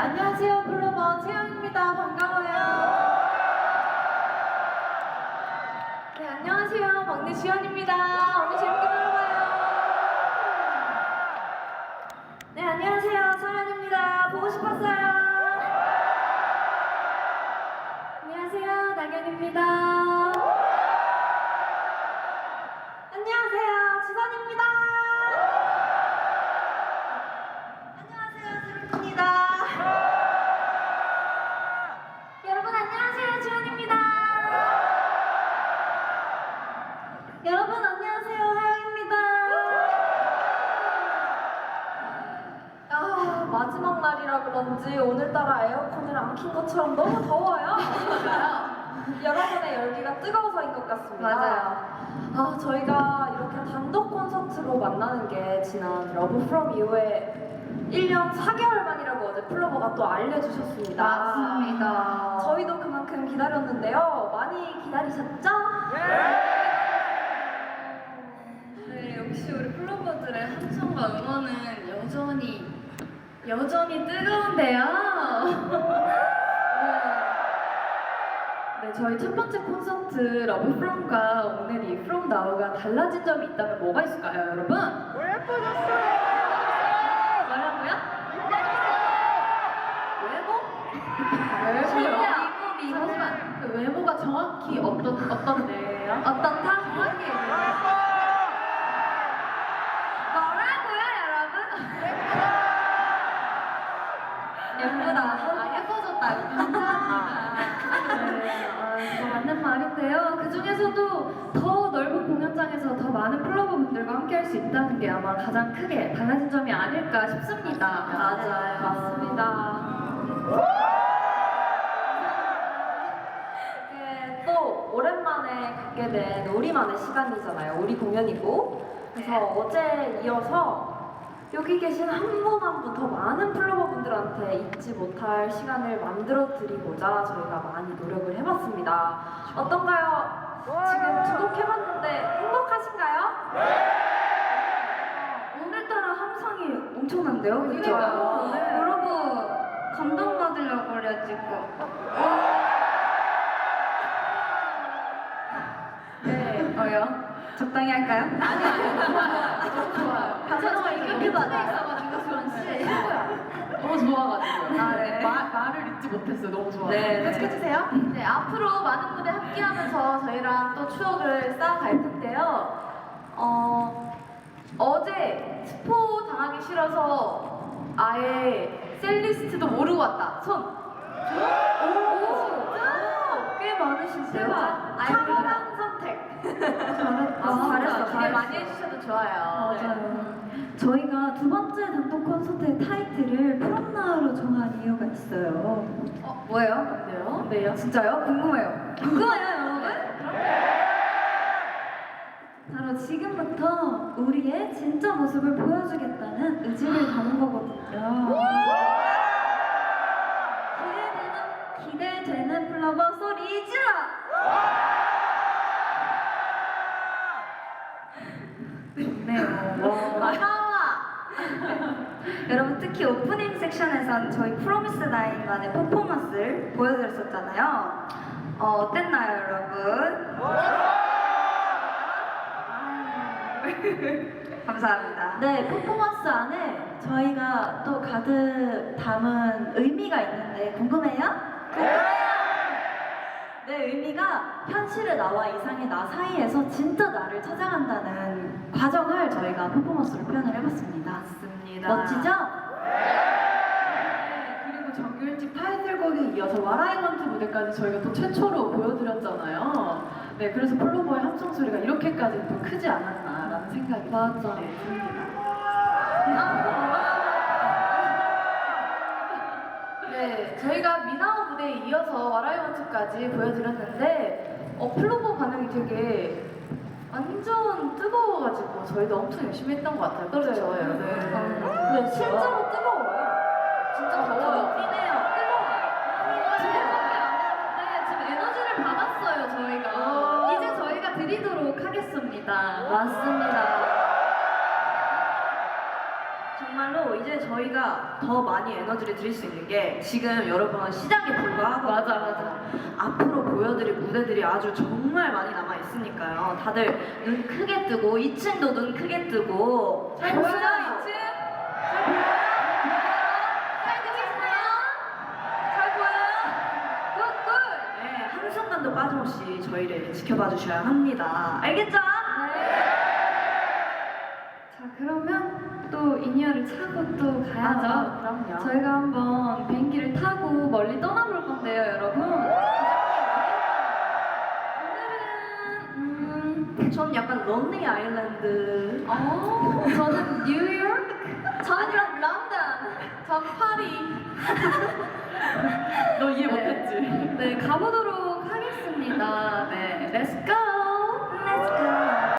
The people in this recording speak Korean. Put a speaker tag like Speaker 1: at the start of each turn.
Speaker 1: 안녕하세요. 플로버 채연입니다. 반가워요. 네, 안녕하세요. 막내 지연입니다. 오늘 재밌게 놀아봐요. 네, 안녕하세요. 서연입니다. 보고 싶었어요. 안녕하세요. 나경입니다. 안녕하세요. 지선입니다. 안녕하세요. 세림입니다. 여러분 안녕하세요. 지원입니다. 여러분 안녕하세요. 하영입니다. 아, 마지막 날이라 그런지 오늘따라 에어컨을 안 킨 것처럼 너무 더워요. 여러분의 열기가 뜨거워서인 것 같습니다.
Speaker 2: 맞아요.
Speaker 1: 아, 저희가 이렇게 단독 콘서트로 만나는 게 지난 러브 프롬 이후에 1년 4개월 만이라고 어제 플로버가 또 알려주셨습니다.
Speaker 2: 맞습니다.
Speaker 1: 저희도 그만큼 기다렸는데요. 많이 기다리셨죠?
Speaker 2: 네, 역시 우리 플로버들의 함성과 응원은 여전히 뜨거운데요. 네, 저희 첫 번째 콘서트 러브 프롬과 오늘 이 프롬 나우가 달라진 점이 있다면 뭐가 있을까요, 여러분?
Speaker 1: 예뻐졌어요!
Speaker 2: 뭐라고요?
Speaker 1: 외모?
Speaker 2: 잠시만, 그 외모가 정확히 어떤데요?
Speaker 1: 어떻다? 정확히 얘기해주세요. 뭐라고요, 여러분? 예쁘다. 예뻐졌다. 감사합니다.
Speaker 2: 네, 맞는 말인데요. 그 중에서도 더 넓은 공연장에서 더 많은 플로버분들과 함께할 수 있다는 게 아마 가장 크게 달라진 점이 아닐까 싶습니다.
Speaker 1: 맞아요. 맞습니다. 이게 또 오랜만에 갖게 된 우리만의 시간이잖아요. 우리 공연이고. 그래서 어제 이어서 여기 계신 한 분 한 분 더 많은 플로버분들한테 잊지 못할 시간을 만들어 드리고자 저희가 많이 노력을 해봤습니다. 어떤가요? 지금 주목해봤는데 행복하신가요?
Speaker 2: 오늘따라 함성이 엄청난데요?
Speaker 1: 그러니까요. 네.
Speaker 2: 여러분 감동받으려고 그래가지고 네, 적당히 할까요?
Speaker 1: 좋아요.
Speaker 2: 저도 이렇게
Speaker 1: 받아
Speaker 2: 있어가지고 주원 씨.
Speaker 3: 너무 좋아가지고요.
Speaker 2: 아, 네.
Speaker 3: 말을 잊지 못했어요. 너무 좋아요.
Speaker 1: 네.
Speaker 2: 계속해주세요.
Speaker 1: 네, 앞으로 많은 무대 함께하면서 저희랑 또 추억을 쌓아갈 텐데요. 어제 스포 당하기 싫어서 아예 셀리스트도 모르고 왔다. 손. 오, 진짜?
Speaker 2: 꽤 많으신데요?
Speaker 1: 탁월한 선택.
Speaker 2: 잘했어.
Speaker 1: 기대 많이 해주셔도 좋아요.
Speaker 2: 맞아요. 저희가 두 번째 단독 콘서트의 타이틀을 프롬나우로 정한 이유가 있어요. 뭐예요?
Speaker 1: 뭔데요?
Speaker 2: 네요. 진짜요? 궁금해요. 궁금해요, 여러분? 바로 지금부터 우리의 진짜 모습을 보여주겠다는 의지를 담은 거거든요. 기대되는 플로버 소리 질러! 좋네요. 여러분 특히 오프닝 섹션에선 저희 프로미스 나인만의 퍼포먼스를 보여드렸었잖아요. 어땠나요, 여러분? 감사합니다.
Speaker 4: 네, 퍼포먼스 안에 저희가 또 가득 담은 의미가 있는데 궁금해요? 네, 의미가 현실의 나와 이상의 나 사이에서 진짜 나를 찾아간다는 과정을 저희가 퍼포먼스로 표현을 해봤습니다.
Speaker 2: 맞습니다.
Speaker 4: 멋지죠?
Speaker 3: 네, 그리고 정규 일집 타이틀곡에 이어서 와라이먼트 무대까지 저희가 또 최초로 보여드렸잖아요. 네, 그래서 플로버의 함성 소리가 이렇게까지 또 크지 않았나라는 생각이 듭니다.
Speaker 1: 네, 저희가 미나오 무대에 이어서 와라이원츠까지 보여드렸는데 플로버 반응이 되게 완전 뜨거워가지고 저희도 엄청 열심히 했던 것 같아요. 그렇죠, 여러분? 네, 실제로 뜨거워요. 진짜 더워요. 뛰네요. 뜨거워요.
Speaker 2: 지금 에너지를 받았어요, 저희가. 이제 저희가 드리도록 하겠습니다.
Speaker 4: 맞습니다. 정말로 이 이제 저희가 더 많이 에너지를 드릴 수 있는 게 지금 여러분 시작에 불과하고
Speaker 2: 맞아.
Speaker 4: 앞으로 보여드릴 무대들이 아주 정말 많이 남아 있으니까요. 다들 눈 크게 뜨고 2층도 눈 크게 뜨고
Speaker 2: 잘 보여요,
Speaker 4: 2층?
Speaker 2: 잘 보여요? 굿!
Speaker 4: 네, 한순간도 빠짐없이 저희를 지켜봐 주셔야 합니다. 알겠죠?
Speaker 2: 자, 그러면 또 인이어를 차고 또 가야죠.
Speaker 4: 그럼요.
Speaker 2: 저희가 한번 비행기를 타고 멀리 떠나볼 건데요, 여러분. 오늘은
Speaker 4: 전 약간 런닝 아일랜드.
Speaker 2: 저는 뉴욕,
Speaker 1: 저는 런던.
Speaker 2: 전 파리.
Speaker 3: 너 이해
Speaker 2: 네.
Speaker 3: 못했지?
Speaker 2: 네, 가보도록 하겠습니다. 네, 렛츠 고!